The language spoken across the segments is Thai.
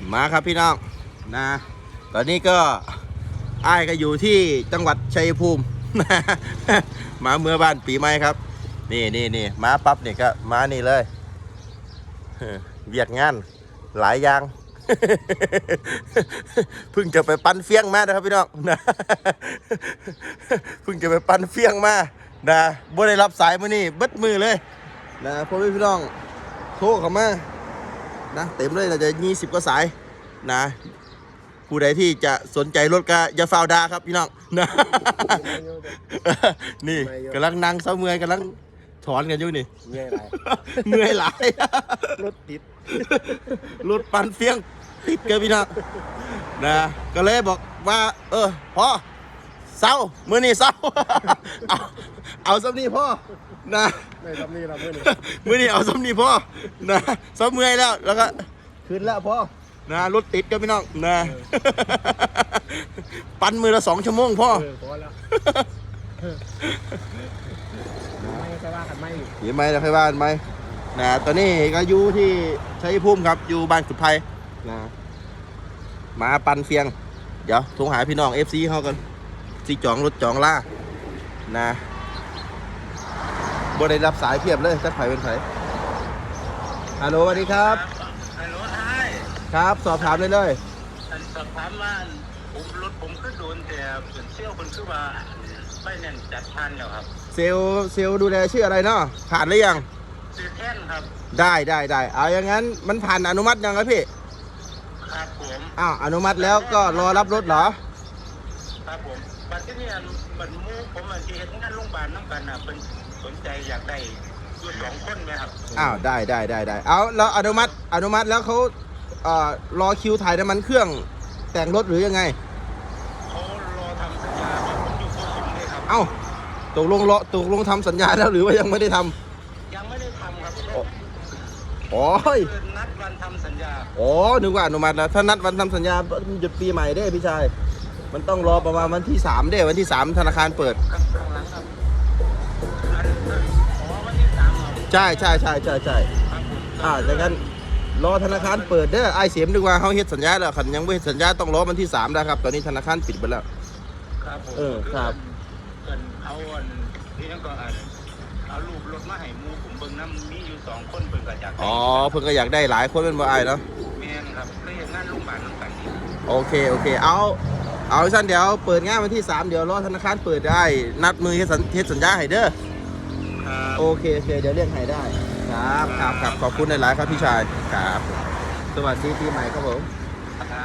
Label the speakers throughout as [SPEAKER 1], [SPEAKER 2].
[SPEAKER 1] มาครับพี่น้องนะตอนนี้ก็อ้ายก็อยู่ที่จังหวัดชัยภูมิ มาเมื่อบ้านปีใหม่ครับนี่มาปั๊บเนี่ยก็มานี่เลยเวียดงานหลายอย่าง เพิ่งจะไปปั้นเฟี้ยงมานะครับพี่น้องนะ เพิ่งจะไปปั้นเฟี้ยงมานะบ่ได้รับสายมื้อนี้เบิดมือเลยนะพ่อพี่น้องโทรเข้ามานะเต็มเลยเราจะ20กว่าสายนะผู้ใดที่จะสนใจรถก็อย่าฟาวดาครับพี่น้องนะ นี่กำลังนั่งเสาเมื่อยกำลังถอนกันอยู่นี่
[SPEAKER 2] เมื่อยไร
[SPEAKER 1] เมื่อยหลาย
[SPEAKER 2] รถติด
[SPEAKER 1] รถปั่นเฟี้ยงติดกันพี่น้องนะก็เลยบอกว่าพ่อเศร้ามื้อนี้เศร้า เอาซ้ำนี่พ่อนะ
[SPEAKER 2] ไม่ทำนี่เราเมื่อนี้
[SPEAKER 1] มื้อนี้เอาซ้ำนี่พ่อนะซ้ำเมื่อยแล้วก็ขึ้นแล้วพ่อนะรถติดกันพี่น้องนะ ปั่นมือละ2 ชั่วโมงพ่อ
[SPEAKER 2] พอแล้วไม่ใช่ว่ากันไม่
[SPEAKER 1] เห็นไหมเราเคยบ้านไหมนะตอนนี้ก็อยู่ที่ชัยภูมิครับอยู่บ้านขุดไผ่นะมาปั่นเฟียงเดี๋ยวโทรหาพี่น้อง FC เขากันสิจองรถจองล่านะบ่ได้รับสายเพียบเลยจักไผเป็นไผฮัลโหลสวัสดีครับ
[SPEAKER 3] ฮัลโหลไอ้
[SPEAKER 1] ครับสอบถามเลยเลย
[SPEAKER 3] สอบถามว่าผมรถผมก็โดนแต่เป็นเชี่ยวคนคือว่าไม่แน่นจัดทันแล้วครับ
[SPEAKER 1] เซลล์ดูแลชื่ออะไรเนาะผ่านหรือยัง
[SPEAKER 3] ซื้อแท่นครับ
[SPEAKER 1] ได้เอาอย่างนั้นมันผ่านอนุมัติยังครับพี่
[SPEAKER 3] ครับผม
[SPEAKER 1] อ้าวอนุมัติแล้วก็รอรับรถเหรอ
[SPEAKER 3] ครับผมปัจจุบันมันมูผมที่เห็นงานโรงพยาบาลน้ำกันเป็นสนใจอยากได้อยู่2 คนไหมครับ
[SPEAKER 1] อ้าวได้เอาแล้วอนุมัติแล้วเขารอคิวถ่ายน้ำมันเครื่องแต่งรถหรือยังไง
[SPEAKER 3] เขารอทำสัญญาว่าผมอยู่โคสุมเลยครับ
[SPEAKER 1] เอ้าตกลงทำสัญญาแล้วหรือว่ายังไม่ได้ทำ
[SPEAKER 3] ยังไม่ได้ทำครับ
[SPEAKER 1] โอ้ย
[SPEAKER 3] คือนัดวันทำสัญญา
[SPEAKER 1] อ๋อนึกว่าอนุมัติแล้วถ้านัดวันทำสัญญาหยุดปีใหม่ได้พี่ชายมันต้องรอประมาณวันที่3ได้วันที่3ธนาคารเปิด
[SPEAKER 3] ครับข้างหลังครับวันที่3ครับ
[SPEAKER 1] ใช่
[SPEAKER 3] ครับผม
[SPEAKER 1] ดังนั้นรอธนาคารเปิดเด้อไอเสียมดีกว่าเขาเฮ็ดสัญญาแล้วคันยังไม่เฮ็ดสัญญาต้องรอวันที่3นะครับตอนนี้ธนาคารปิดไปแล้ว
[SPEAKER 3] ครับผม
[SPEAKER 1] ครับ
[SPEAKER 3] เกินเอาอันนี่นั่นก็เอารูปรถมาให้หมูผมเบิ่งน้ำมีอยู่2 คนเบิ่งก็อยากได้
[SPEAKER 1] อ๋อเพิ่นก็อยากได้หลายคนเป็นบ่อายเนาะ
[SPEAKER 3] แม่นครับก็เห็นงานโรงพยาบาลน้ำกันนี่
[SPEAKER 1] โอเคเอาสั้นเดี๋ยวเปิดงานวันที่3เดี๋ยวรอธนาคารเปิดได้นัดมือเฮ็ดสัญญาให้เด้อ
[SPEAKER 3] ครับ
[SPEAKER 1] โอเคเดี๋ยวเรียกให้ได้ครับขอบคุณหลายๆครับพี่ชายครับสวัสดีปีใหม่ครับผม
[SPEAKER 3] ครับ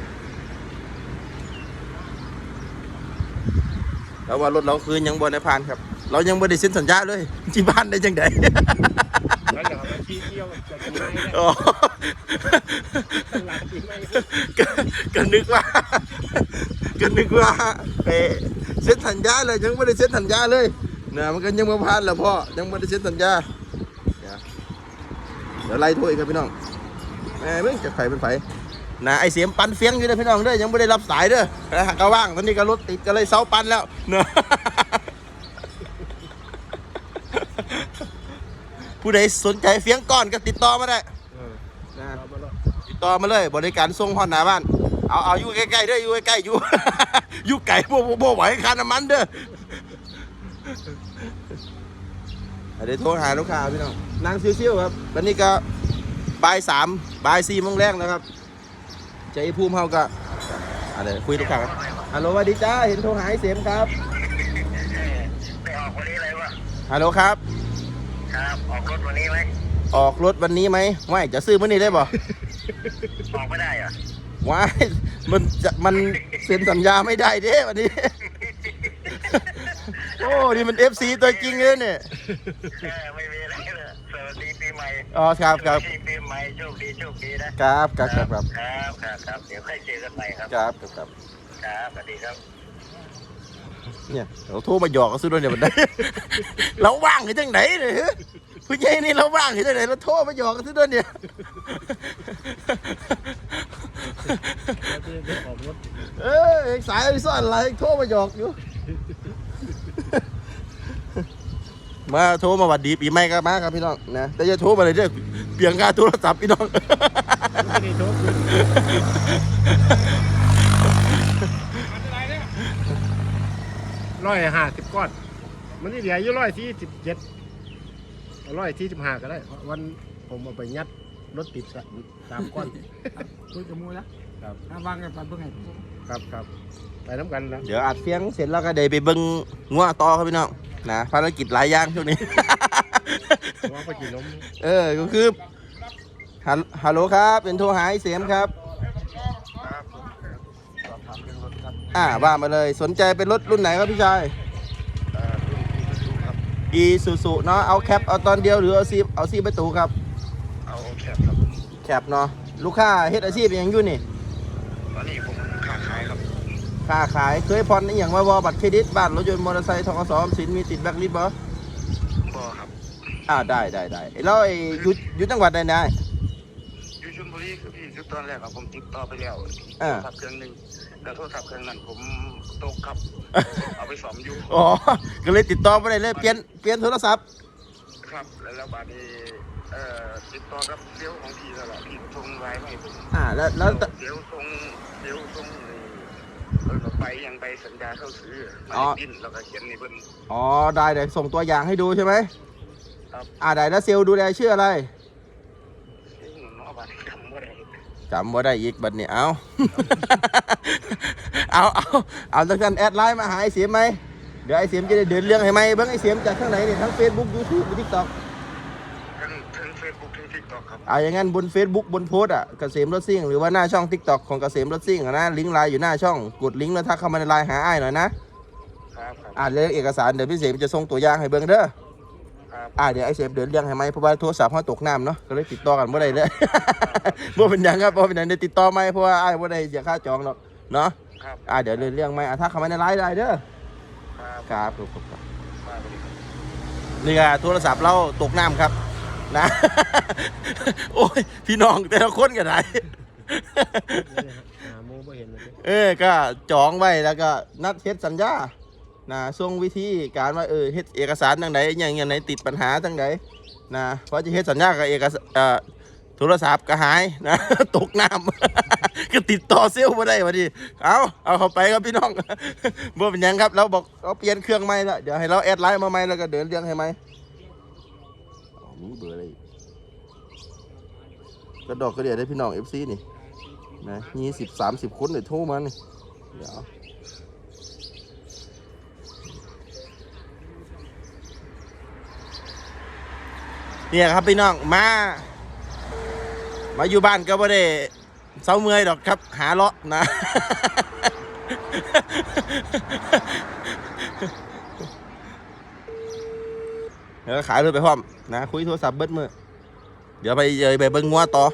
[SPEAKER 1] แล้วว่ารถเราคืนยังบ่ได้ผ่านครับ เรายังบ่ได้เซ็นสัญญาเลยที่บ้านได้จังได
[SPEAKER 2] แล้วจะมาที่เที่ยวจะกินไม่ได้
[SPEAKER 1] อ๋อ
[SPEAKER 2] หลังกินไม่
[SPEAKER 1] ก็นึกว่าเซ็นสัญญาเลยยังไม่ได้เซ็นสัญญาเลยนะมันก็ยังไม่ผ่านแล้วพ่อยังไม่ได้เซ็นสัญญาเดี๋ยวไล่โทรอีกครับพี่น้องแหมมึงจะไฟเป็นไฟนะไอเสียมปันเฟียงอยู่เลยพี่น้องเด้อยังไม่ได้รับสายเด้อนะก็ว่างตอนนี้ก็รถติดก็เลยเสาปันแล้วเนอะผู้ใดสนใจเฟียงก้อนก็ติดต่อมาได้นะติดต่อมาเลยบริการส่งฮอดหน้าบ้านเอาอยู่ใกล้ๆเด้ออยู่ใกล้ๆอยู่ อยู่ไก่บ่ไหวค่าน้ำมันเด้อเดี๋ยวโทรหาลูกค้าพี่น้องนั่งชิวๆครับวันนี้ก็บ่าย4 โมงแรกนะครับใจภูมิเฮาก็อะไรคุยลูกค้าครับฮัลโหลสวัสดีจ้าเห็นโทรหาไอ้เสียมครับ
[SPEAKER 3] ไปออกวันนี้เลยวะ
[SPEAKER 1] ฮัลโหลครับ
[SPEAKER 3] ครับออกรถวันนี้ไหม
[SPEAKER 1] ออกรถวันนี้ไหมไม่จะซื้อมื้อนี้ได้บ่
[SPEAKER 3] ออกไม่ได้เหรอ
[SPEAKER 1] ว้ายมันเซ็นสัญญาไม่ได้เด้วันนี้ โอ้นี่มัน FC ตัวจริงเลยเนี่ย
[SPEAKER 3] ไม่มีอะไรเลยสวัสดีปีใหม่
[SPEAKER 1] อ๋อครับ
[SPEAKER 3] สวัสดีปีใหม่โชคดีนะครับ ครับเดี๋ยวค่อยเจอกันใหม่ครับ
[SPEAKER 1] ครับ
[SPEAKER 3] ครับสวัสดีครับ
[SPEAKER 1] เนี่ยเราโทรมาหยอกกันซื้อด้วยเนี่ยมันได้ เราว่างหรือจังไหนเนี่ยผู้ใหญ่นี่เราว่างหรือจังไหนเราโทรมาหยอกกันซื้อด้วยเนี่ย
[SPEAKER 2] ออกรถ
[SPEAKER 1] สายซ่อนอะไรโทรมาหยอกอยู่ มาโทรมาหวัดดีปีใหม่กันมาครับพี่น้องนะแต่อย่าโทรมาเลยเด้อเปลี่ยนค่าโทรศัพท์พี่น้อง
[SPEAKER 2] นี่โชคขึ้น150ก้อนมันนี่เหลืออยู่147 145ก็ได้วันผมเอาไปยัดรถติด3ก้อน
[SPEAKER 4] คุยกับมูแล้วครับวางกันไปเพื่อไง
[SPEAKER 2] ครับไปน้ำกันนะ
[SPEAKER 1] เดี๋ยวอัดเสียงเสร็จแล้วก็เดี๋ยวไปเบิ่งงัวต่อครับพี่น้องนะภารกิจหลายอย่างช่วงนี้
[SPEAKER 2] ว่าไปกินนม
[SPEAKER 1] ก็คือฮัลโหลครับเป็นโทรหาไอ้เสียมครับว่ามาเลยสนใจเป็นรถรุ่นไหนครับพี่ชายอีซูซูเนาะเอาแคปเอาตอนเดียวหรือเอาซีประตูครับ
[SPEAKER 3] เอาแคปครับ
[SPEAKER 1] แคปเนาะลูกค้าเฮ็ดอาชีพอย่างอยู่นี่
[SPEAKER 3] ตอนนี้ผมค้าขายครับ
[SPEAKER 1] ค้าขายเคยผ่อนอหย่างว่าวอบัตรเครดิตบ้านรถยนต์มอเตอร์ไซค์ธกส.ออมสินมีติดแบล็คลิสต์บ่
[SPEAKER 3] บ่ครับ
[SPEAKER 1] ได้แล้วไอ้อยู่จังหวัดใดนะ
[SPEAKER 3] อยู่ชลบุรีคือพี่คือตอนแรกผมติดต่อไปแล้วโทรศัพท์เครื่องนึงแล้วโทรศัพท์เครื่องนั้นผมตกครับ เอาไปซ่อมอยู่
[SPEAKER 1] อ๋อก็เลยติดต่อบ่ได้เลยเปลี่ยนโทรศัพท์
[SPEAKER 3] ครับแล้วบาดนี้ติดต่อกับเซลล์ของพี่แล้วล่ะพี่ส่งไลน์มาให้ผม
[SPEAKER 1] แล้ว
[SPEAKER 3] เซลล์ส่งไปยังไปสัญญาเข้าซื้อมาดิ้นแล้วก็เขียนในเพิ่น
[SPEAKER 1] ได้เดี๋ยวส่งตัวอย่างให้ดูใช่ไหม
[SPEAKER 3] ครับ
[SPEAKER 1] ได้แล้วเซลล์ดูแลชื่ออะไร
[SPEAKER 3] ซึ่งเนาะบาดนี้จำบ่ได้
[SPEAKER 1] จำบ่ได้อีกบัดนี้เอา เอาจังซั่นแอดไลน์มาหาไอ้เสียมไหมเดี๋ยวไอ้เสียมจะได้เดินเรื่องให้ไหมเบิ่งไอ้เสียมจากข้างไหนเนี่ยทั้ง Facebook YouTube TikTok
[SPEAKER 3] ทั้ง Facebook ทั้ง TikTok ครับ
[SPEAKER 1] อย่างงั้นบน Facebook บนโพสต์เกษมรถซิ่งหรือว่าหน้าช่อง TikTok ของเกษมรถซิ่งนะลิงก์ไลน์อยู่หน้าช่องกดลิงก์แล้วทักเข้ามาในไลน์หาอ้ายหน่อยนะครับเรื่องเอกสารเดี๋ยวพี่เสมจะส่งตัวอย่างให้เบิ่งเด้อ
[SPEAKER 3] ครับ
[SPEAKER 1] เดี๋ยวไอ้เสมเดินเรื่องให้ไหมเพราะว่าโทรศัพท์เขาตกน้ำเนาะก็เลยติดต่อกันบ่ได้เลย บ่เป็นหยังครับบ่เป็นหยังได้ติดต่อไหมเพราะว่าอ้ายบ่ได้เสียค่าจองหรอกเนาะ
[SPEAKER 3] ครับ
[SPEAKER 1] เดี๋ยวเดินเรื่องไหมทักเข้ามาในไลน์ได้เด้อ
[SPEAKER 3] ครับ
[SPEAKER 1] ครับนี่ก็โทรศัพท์เราตกน้ำครับนะ โอ้ยพี่น้องแต่ละคนกันไหน
[SPEAKER 2] หาโมไม่เห็นเลย
[SPEAKER 1] ก็จองไว้แล้วก็นัดเฮ็ดสัญญานะส่งวิธีการว่าเฮ็ดเอกสารทางไหนอย่างไหนติดปัญหาทางไหนนะเพราะจะเฮ็ดสัญญากับโทรศัพท์ก็หายนะ ตกน้ำ ก็ติดต่อเซลล์มาได้พอดีเอาเข้าไปครับพี่น้อง บ่เป็นหยังครับเราบอกเราเปลี่ยนเครื่องใหม่แล้วเดี๋ยวให้เราแอดไลน์มาใหม่แล้วก็เดินเรื่องให้ไหมมีเบอร์อะไรกระดอกกระเดียดได้พี่น้อง FC นี่นะ20-30 คนเลยโทรมานี่เดี๋ยวเนี่ยครับพี่น้องมาอยู่บ้านก็ไม่ได้เศร้าเมื่อยดอกครับหาเลาะนะ เดี๋ยวขายรถไปพร้อมนะคุยโทรศัพท์เบิดมือเดี๋ยวไปเบิ่งงัวต่อ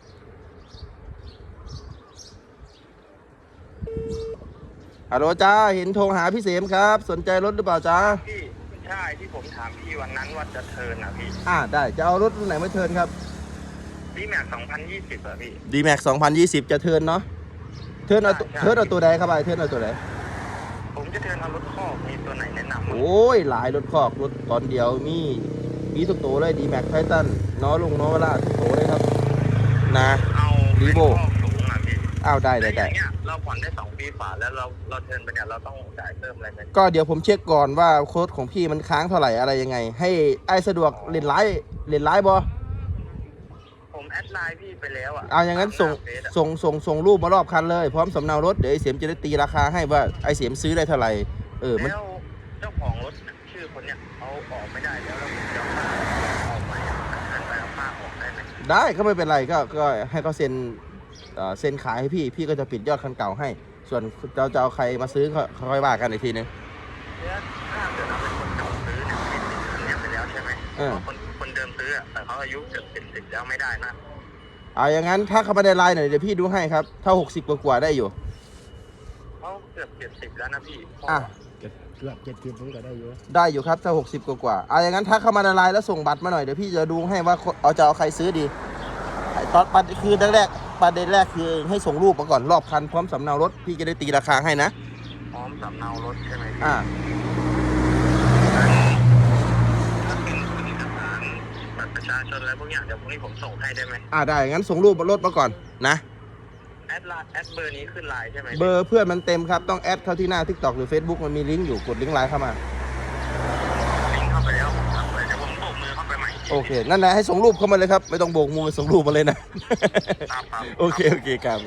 [SPEAKER 1] ฮัลโหลจ้าเห็นโทรหาพี่เสมครับสนใจรถหรือเปล่าจ้า
[SPEAKER 3] พี่ใช่ที่ผมถามพี่วันนั้นว่าจะเทิร์นอ่ะพี่
[SPEAKER 1] ได้จะเอารถรุ่นไหนมาเทิร์นครับ
[SPEAKER 3] พี่แม็ก2020อ่ะพี่
[SPEAKER 1] D-Max 2020 จะเทิร์นเนาะเทิร์นเอาตัวใดครับเทิร์นเอาตัวใด
[SPEAKER 3] ผมจะเทิร์นเอารถคอกมีตัวไหนแนะนำมั้ง
[SPEAKER 1] โอ้ยหลายรถคอกรถตอนเดียวมีทุกตัวเลย D-Max Titan น้อลุงน้อเวลาทุกตัวเลยครับนะ
[SPEAKER 3] เอา
[SPEAKER 1] รีโว
[SPEAKER 3] คอกสูงอ่ะพี่
[SPEAKER 1] ได้
[SPEAKER 3] แต่อย่างเงี้ยเราผ่อนได้2 ปีฝ่าแล้วเราเทิร์นไปเนี่ยเราต้องจ่ายเพิ่มอะไรไหม
[SPEAKER 1] ก็เดี๋ยวผมเช็คก่อนว่าโค้ดของพี่มันค้างเท่าไหร่อะไรยังไง ให้ไอ้สะดวกเล่นไลน์บอ
[SPEAKER 3] ผมแอดไลน์พี่ไปแล้วอ่ะ
[SPEAKER 1] อย่างนั้นส่งรูปมารอบคันเลยพร้อมสำเนารถเดี๋ยวไอ้เสียมจะได้ตีราคาให้ว่าไอ้เสียมซื้อได้เท่าไหร่มัน
[SPEAKER 3] แล้วเจ้าของรถชื่อคนเนี้ยเอาออกไม่ได้แล้วเราจะเอาผ้าออกไหมเทิร์นไปเอาผ้าออกได้ไหม
[SPEAKER 1] ได้ก็ไม่เป็นไรก็ให้เขาเซ็นขายให้พี่ก็จะปิดยอดคันเก่าให้ ส่วนเราจะเอาใครมาซื้อค่อยว่ากันอีกทีนึง
[SPEAKER 3] แล้วถ้าเกิดเราเป็นคนเก่าซื้อเนี่ยติดคันเนี้ยไปแล้วใช่ไหมเพราะคนเดิมซื้ออะแต่เขาอายุเกือบ70แล้วไม่ได้นะ
[SPEAKER 1] อย่างนั้นถ้าเขามาได้ไลน์หน่อยเดี๋ยวพี่ดูให้ครับถ้า60กว่าได้อยู่
[SPEAKER 3] เขาเกือบ70แล้วนะพี่
[SPEAKER 2] เกือบ70ผมก็ได้อยู่
[SPEAKER 1] ได้อยู่ครับถ้า60กว่าอย่างนั้นถ้าเข้ามาในไลน์แล้วส่งบัตรมาหน่อยเดี๋ยวพี่จะดูให้ว่าจะเอาใครซื้อดีตอนประเด็นแรกคือให้ส่งรูปมาก่อนรอบคันพร้อมสำเนารถพี่จะได้ตีราคาให้นะ
[SPEAKER 3] พร้อมสำเนารถใช่ไหมพี่
[SPEAKER 1] อ่า
[SPEAKER 3] ถ้าเป็นเอกสารบัตรประชาชนอะไรพวกอย่างเดี๋ยวพวกนี้ผมส่งให้ได้ไหม
[SPEAKER 1] ได้งั้นส่งรูปรถมาก่อนนะ
[SPEAKER 3] แอดเบอร์นี้ขึ้นไลน์ใช่ไหม
[SPEAKER 1] เบอร์เพื่อนมันเต็มครับต้องแอดเข้าที่หน้า TikTok หรือ Facebook มันมีลิงก์อยู่กดลิงก์ไลน์เข้ามา
[SPEAKER 3] ลิงก์เข้าไปแล้วผมทำไปเดี๋ยวผมโบกมือเข้าไปใหม่
[SPEAKER 1] โอเคนั่นนะให้ส่งรูปเข้ามาเลยครับไม่ต้องโบกมือส่งรูปมาเลยนะ
[SPEAKER 3] ครับ
[SPEAKER 1] โอเคครับ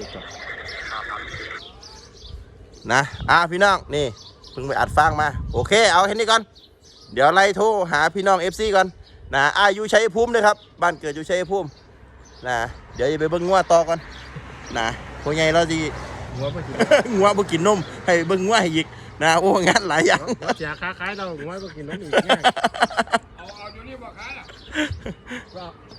[SPEAKER 1] นะพี่น้องนี่เพิ่งไปอัดฟังมาโอเคเอาแค่นี้ก่อนเดี๋ยวไล่โทรหาพี่น้อง FC ก่อนนะอยู่ชัยภูมิเลยครับบ้านเกิดอยู่ชัยภูมินะเดี๋ยวจะไปเบิ่งงัวต่อก่อนนะพวกใหญ่เราดี
[SPEAKER 2] หัวไปกิน
[SPEAKER 1] งัวบ่กินนมให้เบิ่งงัวให้อีกนะโอ้งานหลายอย่าง
[SPEAKER 2] หัวเสียค้าขายเราหัวไปกินน้ำอีก
[SPEAKER 4] เอาอยู่นี่บ่ขายล่ะ
[SPEAKER 2] ก็